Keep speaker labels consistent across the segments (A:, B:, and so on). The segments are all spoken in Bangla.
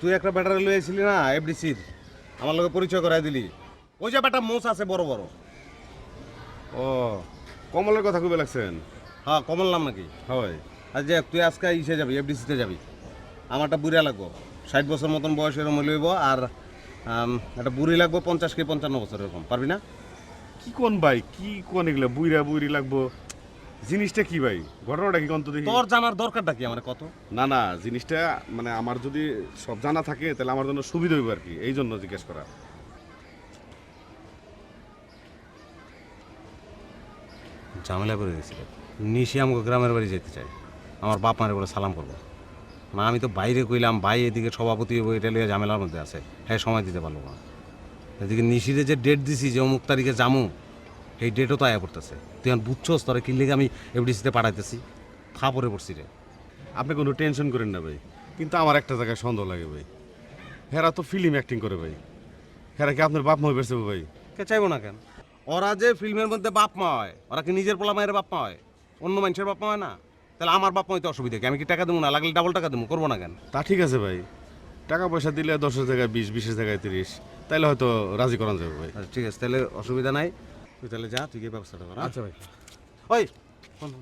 A: তুই একটা ব্যাটারি লয়ে আইছিলি না এফডিসির, আমার লগে পরিচয় করাই দিলি। ওই যে ব্যাটা মোষ আছে বড় বড়।
B: ও কমলের কথা কইবে লাগছেন?
A: হ্যাঁ, কমল নাম নাকি?
B: হয়।
A: আর যে তুই আজকে ইসে যাবি, এফডিসিতে যাবি। আমারটা বুড়া লাগবো, 60 বছর মতন বয়স এরকম লইব। আর একটা বুড়ি লাগবো 50 কি 55 বছর এরকম। পারবি না?
B: কি কোন ভাই, কি কোন এগুলা বুইরা বুইরি লাগবো? জিনিসটা কি ভাই, ঘটনাটা কি কোন তো দেখি?
A: তোর জানার দরকারটা কি আমার কত?
B: না না, জিনিসটা মানে আমার যদি সব জানা থাকে তাহলে আমার জন্য সুবিধা হইব আর কি, এই জন্য জিজ্ঞেস করা।
A: ঝামেলা করে গেছিল। নিশি আমাকে গ্রামের বাড়ি যেতে চাই, আমার বাপ মারে বলে সালাম করবো না। আমি তো বাইরে কইলাম, ভাই এদিকে সভাপতি এটা লিয়ে ঝামেলার মধ্যে আছে, হ্যাঁ সময় দিতে পারলো না। এদিকে নিশিরে যে ডেট দিছি যে অমুক তারিখে জামু, এই ডেটও তো আয়া পড়তেছে। তুই এখন বুঝছস তোরা কি লেগে আমি এফডিসিতে পাঠাইতেছি? থা পরে পড়ছি রে।
B: আপনি কোনো টেনশন করেন না ভাই, কিন্তু আমার একটা জায়গায় সন্দেহ লাগে ভাই। হেরা তো ফিল্ম অ্যাক্টিং করে ভাই, হেরা কি আপনার বাপ মা হয়ে ভাই?
A: কে চাইবো না কেন? ওরা যে ফিল্মের মধ্যে বাপ মা হয়, ওরা কি নিজের পোলা মায়ের বাপ মা হয়? অন্য মানুষের বাপ মা হয় না? তাহলে আমার বাপ মা হইতে অসুবিধা কি? আমি কি টাকা দেবো না? লাগলে ডাবল টাকা দেবো, করবো না কেন?
B: তা ঠিক আছে ভাই, টাকা পয়সা দিলে 10-এর জায়গায় 20, 20-এর জায়গায় 30, তাইলে হয়তো রাজি করানো যাবে ভাই।
A: আচ্ছা, ঠিক আছে, তাহলে অসুবিধা নাই। তুই তাহলে যা, তুই গিয়ে ব্যবস্থাটা কর।
B: আচ্ছা ভাই।
A: ওই শোন।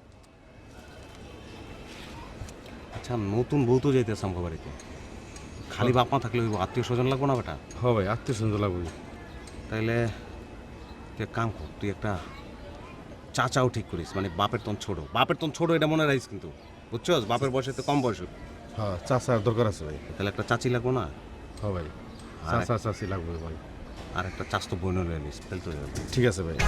A: আচ্ছা, নতুন বউ তো যাইতেছে আমার বাড়িতে, খালি বাপ মা থাকলে আত্মীয় স্বজন লাগবো না বেটা?
B: হ ভাই, আত্মীয় স্বজন লাগবে।
A: তাইলে তুই এক কাম কর, তুই একটা চাচাও ঠিক করিস, মানে বাপের তন ছোট। বাপের তন ছোট এটা মনে রাখিস কিন্তু, বুঝছস? বাপের বয়সে তো কম বয়স।
B: হ্যাঁ, চাচার দরকার আছে ভাই।
A: তাহলে একটা চাচি লাগবো না?
B: হ ভাই,
A: আর
B: চাচা চাচি লাগবে ভাই।
A: আর একটা চাস্তো বোন লয়ে নিস, তাহলে তো হয়ে গেল।
B: ঠিক আছে ভাই।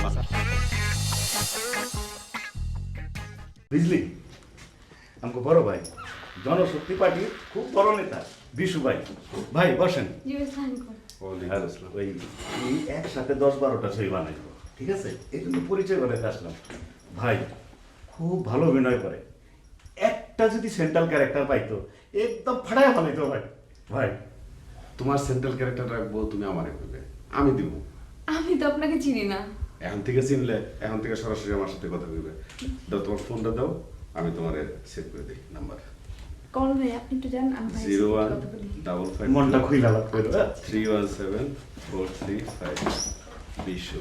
C: বুঝলি, আমাকে বড় ভাই জনশক্তি পার্টির খুব বড় নেতা বিশু ভাই। ভাই বসেন। আর ওই এই একসাথে 10-12টা ছবি বানাইবো, ঠিক আছে? এই জন্য পরিচয় করে আসলাম। ভাই খুব ভালো অভিনয় করে, একটা যদি সেন্ট্রাল ক্যারেক্টার পাইতো একদম ফাটায় বানাইতো ভাই। ভাই
B: তোমার সেন্ট্রাল ক্যারেক্টার রাখবো, তুমি আমারে কইবে, আমি দিব।
D: আমি তো আপনাকে চিনি না।
B: এখন থেকে চিনলে, এখন থেকে সরাসরি আমার সাথে কথা কইবে। দাও তোমার ফোনটা দাও, আমি তোমারে সেভ করে দিই নাম্বার।
D: কল ভাই, আপনি একটু যান, আমি ভাইয়ের সাথে কথা বলি।
B: 0155
C: মনটা খুইলা লাভ করে
B: 317-435 20।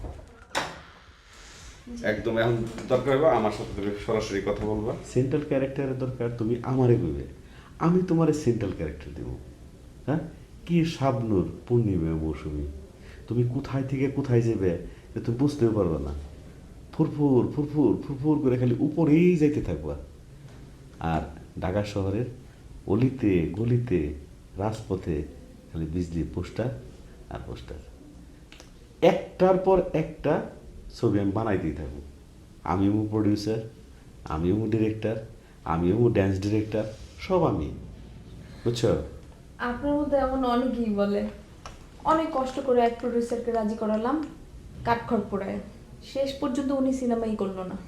B: একদম এখন দরকার হবে আমার সাথে তুমি সরাসরি কথা বলবা।
C: সেন্ট্রাল ক্যারেক্টারের দরকার, তুমি আমারে কইবে, আমি তোমারে সেন্ট্রাল ক্যারেক্টার দেব। হ্যাঁ, কি শাবনূর পূর্ণিমা মৌসুমী, তুমি কোথায় থেকে কোথায় যাবে এটা তুমি বুঝতেও পারবে না। ফুরফুর ফুরফুর ফুরফুর করে খালি উপরেই যাইতে থাকবা। আর ঢাকা শহরের অলিতে গলিতে রাজপথে খালি বিজলি পোস্টার আর পোস্টার, একটার পর একটা ছবি আমি বানাইতেই থাকবো। আমিও প্রডিউসার, আমিও ডিরেক্টর, আমিও ড্যান্স ডিরেক্টর, সব আমি, বুঝছো?
D: আপনার মধ্যে এমন অনেকেই বলে, অনেক কষ্ট করে এক প্রডিউসারকে রাজি করালাম, কাঠখড় পোড়ায়, শেষ পর্যন্ত উনি সিনেমাই করলো না।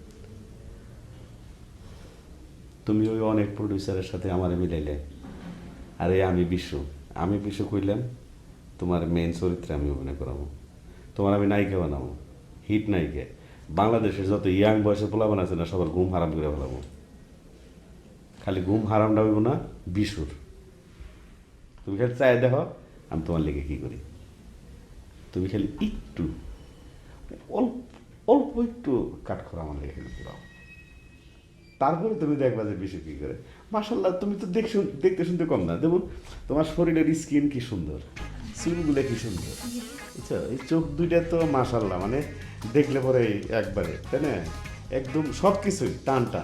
C: তুমি ওই অনেক প্রডিউসারের সাথে আমার মিলাইলে, আরে আমি বিশ্ব কইলাম তোমার মেইন চরিত্রে আমি অভিনয় করাবো, তোমার আমি নায়িকা বানাবো, হিট নায়িকা। বাংলাদেশের যত ইয়াং বয়সের পোলাপান আছে না, সবার ঘুম হারাম করে ফেলাবো। খালি ঘুম হারামটা হইব না বিশুর। তুমি খালি চাই দেখো আমি তোমার লেগে কি করি। তুমি খালি একটু অল্প অল্প একটু কাঠখড় আমার লেগে খালি পুরাও, তারপরে তুমি দেখবা যে বিশু কি করে। মাশাল্লাহ, তুমি তো দেখতে শুনতে কম না, যেমন তোমার শরীরের স্কিন কি সুন্দর, চুলগুলো কি সুন্দর, বুঝছো? এই চোখ দুইটা তো মাশাল্লাহ, মানে দেখলে পরে একবারে, তাই না? একদম সব কিছুই টান টান।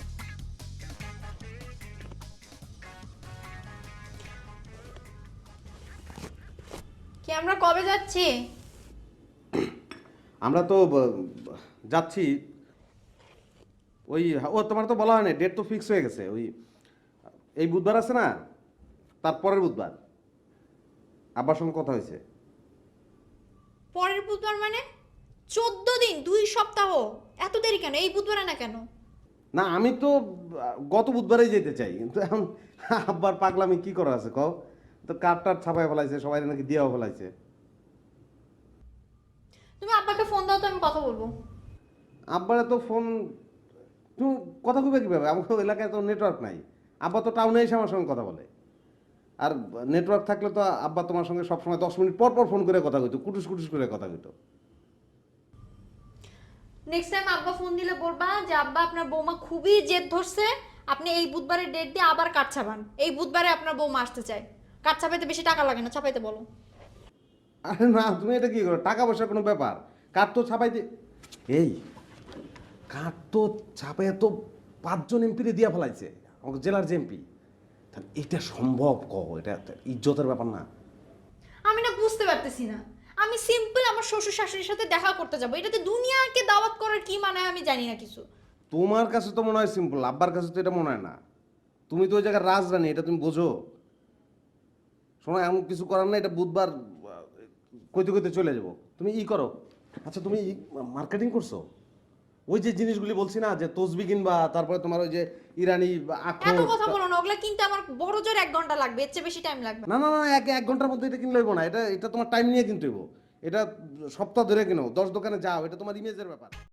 E: কি আমরা কবে যাচ্ছি?
A: আমরা তো যাচ্ছি ওই, ও তোমার তো বলা হয় না, ডেট তো ফিক্স হয়ে গেছে। ওই এই বুধবার আছে না, তারপরের বুধবার আব্বার সঙ্গে কথা হয়েছে।
E: পরের বুধবার মানে 14 দিন, 2 সপ্তাহ। এত দেরি কেন? এই বুধবারে না কেন?
A: না, আমি তো গত বুধবারেই যেতে চাই, কিন্তু এখন আব্বার পাগলামি কি করা আছে কও তো? কার্ডটার ছাপায় ফেলাইছে, সবাই নাকি দিয়েও ফেলাইছে।
E: তুমি আব্বাকে ফোন দাও তো, আমি কথা বলবো।
A: আব্বারে তো ফোন, তুমি কথা কইবে কিভাবে? আমার এলাকায় তো নেটওয়ার্ক নাই। আব্বা তো টাউনে এসে আমার সঙ্গে কথা বলে।
C: আর নেটওয়ার্ক থাকলে তো আব্বা তোমার সঙ্গে সবসময় 10 মিনিট পর পর ফোন করে কথা কইতো, কুটুস কুটুস করে কথা কইতো।
E: নেক্সট টাইম আব্বা ফোন দিলে বলবা যে আব্বা আপনার বৌমা খুবই জেদ ধরছে, আপনি এই বুধবারের ডেট দিয়ে আবার কাঠ ছাপান, এই বুধবারে আপনার বৌমা আসতে চায়। কাঠ ছাপাইতে বেশি টাকা লাগে না, ছাপাইতে বলো।
C: আরে না, তুমি এটা কি করো? টাকা পয়সার কোনো ব্যাপার? কাঠ তো ছাপাইতে, এই কাঠ তো ছাপাইয়া তো 5 জন এমপিরে দিয়া ফেলাইছে, আমাকে জেলার যে এমপি। এটা সম্ভব কহ? এটা ইজ্জতের ব্যাপার না?
E: আমি না বুঝতে পারতেছি না, আমি সিম্পল আমার শ্বশুর শাশুড়ির সাথে দেখা করতে যাবো, এটাতে দুনিয়াকে দাওয়াত করার কি মানে আমি জানি না কিছু।
C: তোমার কাছে তো মনে হয় সিম্পল, আব্বার কাছে তো এটা মনে হয় না। তুমি তো ওই জায়গায় রাজরানী, এটা তুমি বোঝো? শোনো, এমন কিছু করার না, এটা বুধবার কইতে কইতে চলে যাবো। তুমি ই করো, আচ্ছা তুমি মার্কেটিং করছো? ওই যে জিনিসগুলি বলছি না, যে তসবি কিনবা, তারপরে তোমার ওই যে ইরানি আখরোট।
E: এত কথা বলো না, ওগুলা কিনতে আমার বড় জোর 1 ঘন্টা লাগবে, এর চেয়ে বেশি টাইম লাগবে না।
C: না না না, এক ঘন্টার মধ্যে এটা কিনলে হইব না। এটা এটা তোমার টাইম নিয়ে কিনতে হইব। এটা সপ্তাহ ধরে কিনো, 10 দোকানে যাও, এটা তোমার ইমেজের ব্যাপার।